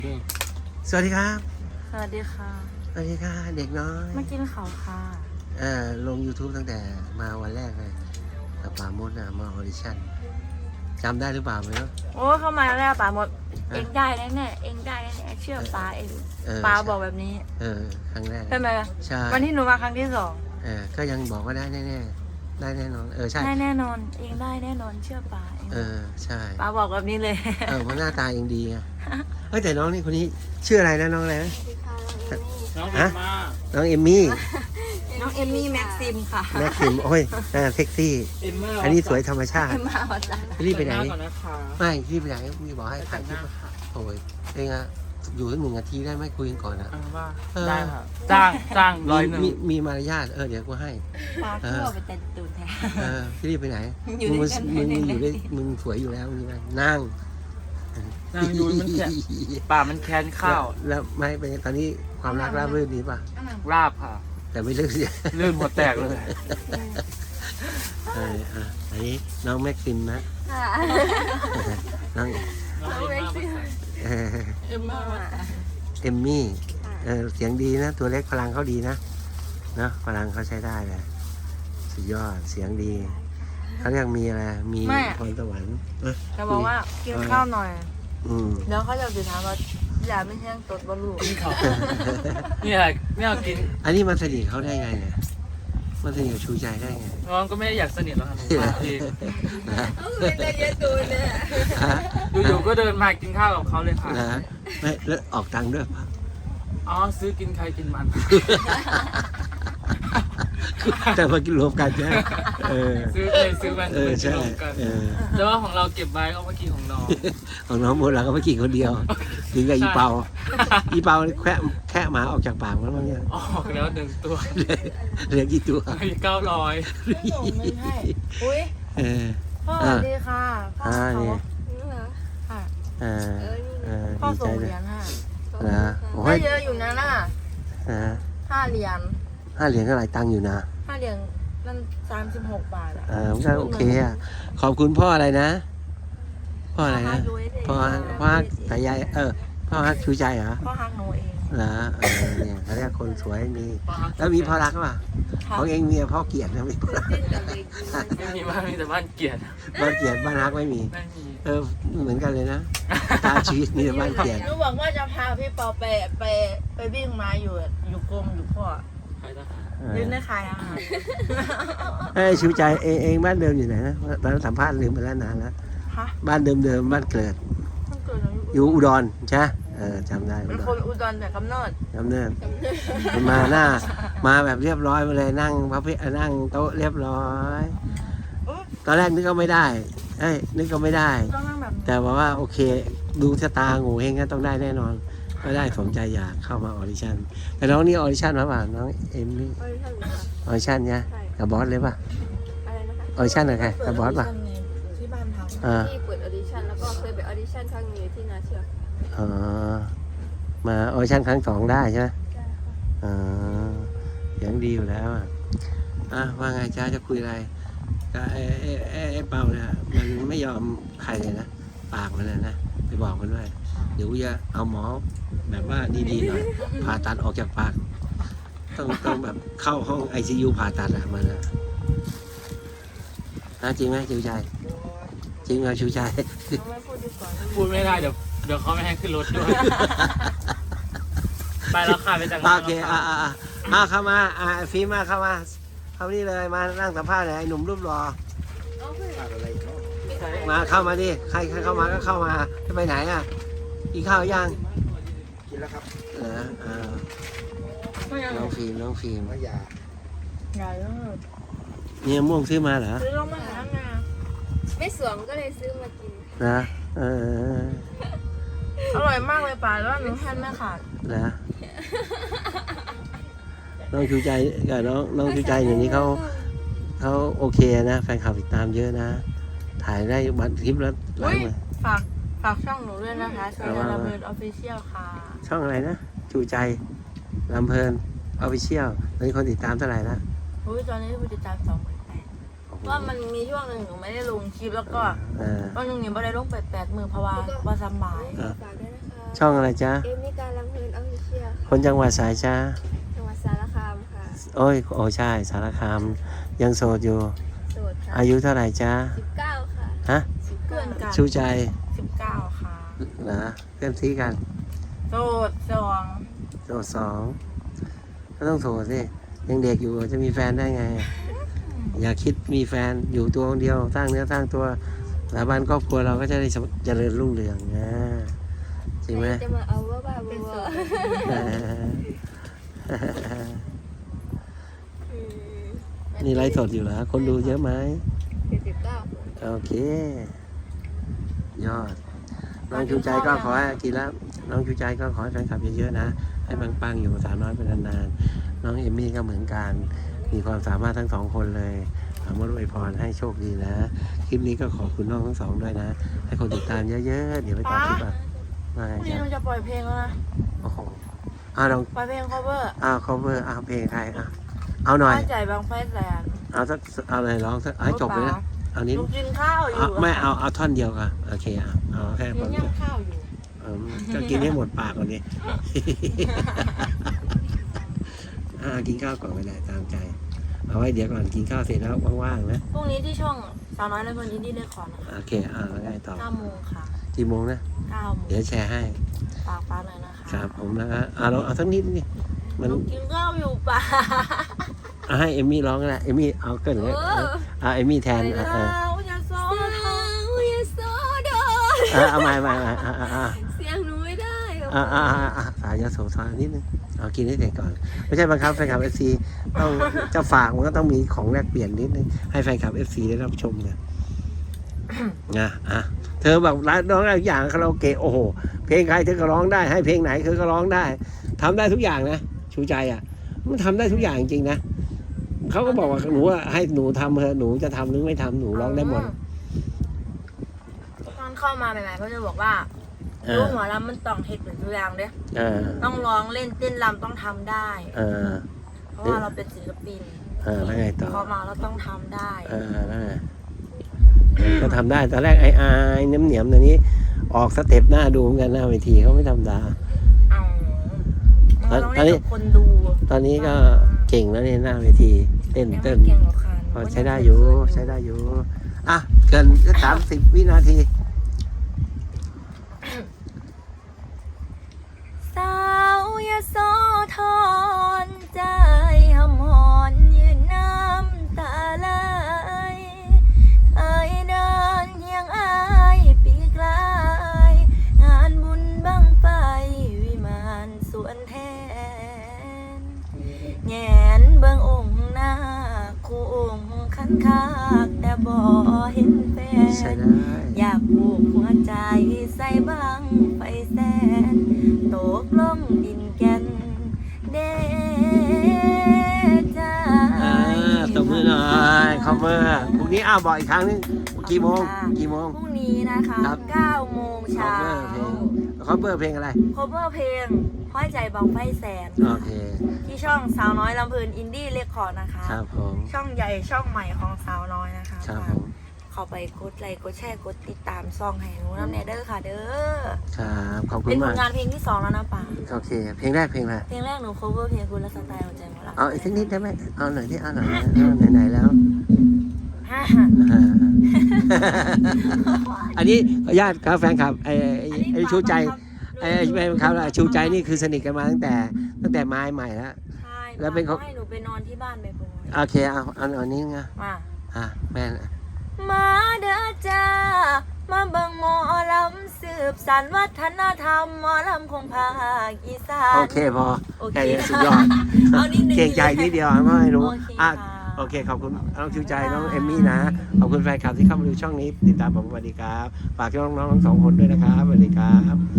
สวัสดีครับสวัสดีค่ะสวัสดีค่ะเด็กน้อยมากินเขาค่ะลง YouTube ตั้งแต่มาวันแรกเลยกับป่าโมดนะมาออดิชั่นจำได้หรือเปล่าไม่รู้โอ้เข้ามาแล้วป่าหมด เองได้แน่ๆเองได้แน่ๆเชื่อป้าเองป้าบอกแบบนี้ครั้งแรกใช่ไหมใช่วันที่หนูมาครั้งที่สองก็ยังบอกว่าได้แน่ๆได้แน่นอนใช่ได้แน่นอน เองได้แน่นอนเชื่อป้าเองใช่ป้าบอกแบบนี้เลยเพราะหน้าตาเองดีไงเฮ้ยแต่น้องนี่คนนี้ชื่ออะไรนะน้องอะไรนะน้องเอ็มมาน้องเอมมี่น้องเอมมี่แม็กซิมค่ะแม็กซิมโอ้ยหน้าเซ็กซี่เอ็มมาอันนี้สวยธรรมชาติมาวัดจ้ะรีบไปไหนก่อนนะคะไม่รีบไปไหนมีบอกให้แต่ถ่ายงคหลิปน้าค่ะโอ้ยเองอะอยู่สัก1 นาทีได้ไหมคุยกันก่อนอะว่าได้ได้ค่ะจ้าง100 มีมารยาทเดี๋ยวกูให้ป้าทั่วไปแต่ตูนแท้พี่รีบไปไหนอยู่มึงด้วยกันมึงได้อยู่ไหนได้มึงสวยอยู่แล้วมึงนั่งนั่งดูมันแค่ป่ามันแค้นข้าวแล้วไม่เป็นตอนนี้ความรักราบรื่นดีป่ะราบค่ะแต่ไม่เลิกเสียลื่นหัวแตกเลยอันนี้น้องแม็กซิมนะน้องน้องเอ็มมาเอมมี่เสียงดีนะ ตัวเล็กพลังเขาดีนะพลังเขาใช้ได้เลยสุดยอดเสียงดีเขาเรียกมีอะไรมีพรสวรรค์จะบอกว่ากินข้าวหน่อย แล้วเขาจะไปถามว่าอย่าไม่แห้งตดบอลลูนกินข้าวนี่อะไรไม่เอากินอันนี้มันสนิทเขาได้ไงเนี่ยมันสนิทกับชูใจได้ไงน้องก็ไม่ได้อยากสนิทหรอกค่ะผมมาเองเป็นอะไรเยอะตูนเนี่ยอยู่ๆก็เดินมากินข้าวกับเขาเลยค่ะนะไม่แล้วออกตังค์ด้วยปะอ๋อซื้อกินใครกินมันแต่มากินรวมกันใช่ไหมซื้อมันใช่รวมกันเออแต่ว่าของเราเก็บไว้เอามากินของน้องของน้องโมดเราก็ไม่กินคนเดียวถึงกับอีเปาแค่หมาออกจากปากมันบ้างเนี่ยออกแล้ว1 ตัวเหลือกี่ตัวมี900 ส่งเงินให้อุ้ยเออพ่อสวัสดีค่ะพ่อนี่ค่ะ พ่อดีใจส่งเลเหยรียญให้นะโอ้ได้ยเยอะอยู่นะน่ะ 5 เหรียญ 5 เหรียญก็หลายตังค์อยู่นะ 5 เหรียญนั่น36 บาทอ่ะมันก็โอเคอ่ะขอบคุณพ่ออะไรนะพ่ออะไรนะพ่อฮักสายใยพ่อฮักชูใจเหรอพ่อฮักหนูเองนะเนี่ยเขาเรียกคนสวยมีแล้วมีพ่อรักป่ะของเองมีพ่อเกลียดนะมีพ่อรักไม่มีบ้านมีแต่บ้านเกลียดบ้านเกลียดบ้านรักไม่มีไม่มีเหมือนกันเลยนะตาชีวิตมีแต่บ้านเกลียดหนูบอกว่าจะพาพี่ปอไปวิ่งมาอยู่กรมอยู่พ่อใครทหารยืนได้ขายอาหารชูใจเองบ้านเดิมอยู่ไหนนะตอนนั้นสัมภาษณ์ลืมไปแล้วนานแล้วฮะบ้านเดิมบ้านเกิดมันเกิดอะไรอยู่อุดรใช่จำได้อุเป็นดคนรอุดรแต่กำเนิดจำเนินมาแบบเรียบร้อยมาเลยนั่งพระเพนั่งโต๊ะเรียบร้อย ตอนแรกนึกก็ไม่ได้นึกก็ไม่ได้ต้องนั่งแบบแต่บอกว่าโอเค ดูชะตางูเฮงก็ต้องได้แน่นอนก็ได้สมใจอยากเข้ามาออดิชั่นแต่น้องนี่ออดิชั่นมาป่ะน้องเอ็มนี่ออดิชั่นเนี่ยกับบอสเลยป่ะอะไรนะคะออดิชั่นกับใครกับบอสป่ะที่บ้านทำที่เปิดออดิชั่นแล้วก็เคยไปออดิชั่นครั้งหนึงที่นาเชือกมาออดิชั่นครั้ง2ได้ใช่ไหมเสียงดีอยู่แล้วว่าไงจ้าจะคุยอะไรก็ไอ้เปาเนี่ยมันไม่ยอมใครเลยนะปากมันนะไปบอกมันด้วยเดี๋ยวจะเอาหมอแบบว่าดีๆหน่อยผ่าตัดออกจากปากต้องแบบเข้าห้อง ICU ผ่าตัดมันนะจริงไหมชิวใจจริงไหมชิวใจไม่พูดดีกว่าพูดไม่ได้เดี๋ยวเขาไม่ให้ขึ้นรถด้วย ไปแล้วค่ะไปจากโอเคเข้ามาฟิล์มเข้านี่เลยมานั่งสัมภาษณ์เลยไอ้หนุ่มรูปหล่อมาเข้ามาดิใครเข้ามาก็เข้ามาจะไปไหนกินข้าวยังกินแล้วครับน้องฟิล์มใหญ่มากเนี่ยม่วงซื้อมาเหรอซื้อลงมาหางานไม่สวมก็เลยซื้อมากินนะอร่อยมากเลยป่าแล้วหนูแทนไม่ขาดนะน้องชูใจกับน้องชูใจอย่างนี้เขาโอเคนะแฟนคลับติดตามเยอะนะถ่ายได้บันคลิปแล้วหลายหมื่นฝากช่องหนูด้วยนะคะช่องระเบิดออฟฟิเชียลค่ะช่องอะไรนะชูใจลำเพลินออฟฟิเชียลตอนนี้คนติดตามเท่าไหร่ละอุ้ยตอนนี้ผู้ติดตาม28,000ว่ามันมีช่วงหนึ่งหนูไม่ได้ลงคลิปแล้วก็วันหนึ่งหนูไม่ได้ลงไป8 มื้อเพราะว่าสบายฝากด้วยนะคะช่องอะไรจ๊ะเอมิการลำเพลินออฟฟิเชียลคนจังหวัดสายจ้าจังหวัดสารคามค่ะโอ้ยโอ้ใช่สารคามยังโสดอยู่โสดค่ะอายุเท่าไหร่จ้า 19 ค่ะฮะเพื่อนกันชูใจ 19 ค่ะเหรอเพื่อนซีกันโสดสองโสดสองก็ต้องโสดสิยังเด็กอยู่จะมีแฟนได้ไง อย่าคิดมีแฟนอยู่ตัวคนเดียวสร้างเนื้อสร้างตัวสถาบันครอบครัวเราก็จะได้เจริญรุ่งเรืองนะจริงไหมจะมาเอาว่าบ้าบัวนี่ไลฟ์สดอยู่เหรอคนดูเยอะไหม 19 โอเค ยอด น้องชูใจก็ขอให้กินแล้ว น้องชูใจก็ขอให้แฟนคลับเยอะๆนะ ให้ปังๆอยู่สาวน้อยเป็นนานๆ น้องเอมมี่ก็เหมือนกัน มีความสามารถทั้งสองคนเลยขอมอวยพรให้โชคดีนะ คลิปนี้ก็ขอบคุณน้องทั้งสองด้วยนะ ให้คนติดตามเยอะๆ เดี๋ยวไปต่อคลิปอ่ะมาพรุ่งนี้จ้ะหนูจะปล่อยเพลงแล้วนะโอ้โหลองปล่อยเพลง cover cover เพลงใครเอาหน่อยบ้านใจบางไฟแสนเอาสักเอาอะไรร้องสักให้จบเลยนะ เอานิดลูกกินข้าวอยู่ไม่เอาท่อนเดียวกันโอเคเอาแค่ยัท่อนงเดียวย่ำข้าวอยู่ก็กินให้หมดปากก่อนดิ กินข้าวก่อนก็ได้ตามใจ เอาไว้เดี๋ยวก่อนกินข้าวเสร็จแล้วว่างๆนะพรุ่งนี้ที่ช่องสาวน้อยและคนอินดี้ได้ขอนะคะโอเคแล้วไงต่อ 9 โมงค่ะกี่โมงนะ 9 โมงเดี๋ยวแชร์ให้ฝากป้าหน่อยนะคะครับผมแล้วก็เราเอาสักนิดนี่มันลูกกินข้าวอยู่ป่ะให้เอมมี่ร้องก็ได้เอมมี่เอาเกินเลยเอมมี่แทนไปแล้วอย่าซ้อสาวอย่าโซดอเอาใหม่เสียงหนูไม่ได้หรอกสายยาโสธรนิดนึงเอากินให้เสร็จก่อน ไม่ใช่บังคับแฟนคลับ FC ต้องจะฝากมันก็ต้องมีของแลกเปลี่ยนนิดนึงให้แฟนคลับ FC ได้รับชมเนี่ยเธอแบบร้องได้ทุกอย่างคาราโอเกะโอ้โหเพลงใครเธอก็ร้องได้ให้เพลงไหนเธอก็ร้องได้ทำได้ทุกอย่างนะชูใจมันทำได้ทุกอย่างจริงนะเขาก็บอกว่าหนูให้หนูทำเถอะหนูจะทำหรือไม่ทำหนูร้องได้หมดตอนเข้ามาใหม่ๆเขาจะบอกว่าลูกหมอลำมันต้องเฮ็ดเป็นตัวอย่างเด้ต้องร้องเล่นเต้นรำต้องทำได้ เพราะว่าเราเป็นศิลปินแล้วไงต่อพอมาเราต้องทำได้แล้วไงก็ทำได้ตอนแรกไอ้เหนียมๆตอนนี้ออกสเต็ปหน้าดูเหมือนกันหน้าเวทีเขาไม่ธรรมดาเอามันต้องเล่นกับคนดูตอนนี้ก็เก่งแล้วในหน้าเวทีเต้นเก่งกว่าใครพอใช้ได้อยู่เกิน30 วินาทีสาวยโสธรใจหำหอนยืนน้ำตาไหลเอ่ยเดินเฮียงอายปีกลายงานบุญบังไฟวิมานสวนแทนแงนเบิ่งองค์หน้าคู่องค์คันคากแต่บ่เห็นแฟใช้นได้อยากผูกหัวใจใส่บังไฟแสนตกลงดินแก่นเดจาตบมือหน่อยคอมเมอร์พรุ่งนี้บอกอีกครั้งนึงกี่โมงพรุ่งนี้นะคะครับ 9 โมงเช้าคอมเมอร์เพลงอะไร cover เพลงห้อยใจบังไฟแสนโอเคที่ช่องสาวน้อยลำเพลินอินดี้เรคคอร์ดนะคะครับผมช่องใหญ่ช่องใหม่ของสาวน้อยนะคะครับผมเข้าไปกดไลค์กดแชร์กดติดตามซองให้หนูน้ำเนเดอร์ค่ะเด้อครับขอบคุเป็ณนผมาลกงานเพลงที่ 2 แล้วนะป๋าโอเค เพลงแรกเพลงอะไรเพลงแรกหนู cover เพลงคุณและสไตล์หัวใจหมดละเอาอีกสักนิดได้ไหมเอาหน่อยที่เอาหน่อยไหนๆแล้วฮ่าอันนี้ขออนุญาตครับแฟนคลับไอ้ชูใจไอ้แฟนคลับชูใจนี่คือสนิทกันมาตั้งแต่ไม้ใหม่แล้วใช่แล้วเป็นเขาให้หนูไปนอนที่บ้านไปบ่อยโอเคเอานี้ไงมาแม่มาเด้อจ้ามาเบิ่งหมอลำสืบสานวัฒนธรรมหมอลำคงภาคอีสานโอเคพอโอเคแค่นี้สุดยอดเอานิดนึงเก่งใจนิดเดียวไม่รู้โอเคค่ะโอเคขอบคุณน้องชูใจน้องเอมมี่นะขอบคุณแฟนคลับที่เข้ามาดูช่องนี้ติดตามผมสวัสดีครับฝากน้องๆทั้งสองคนด้วยนะครับสวัสดีครับ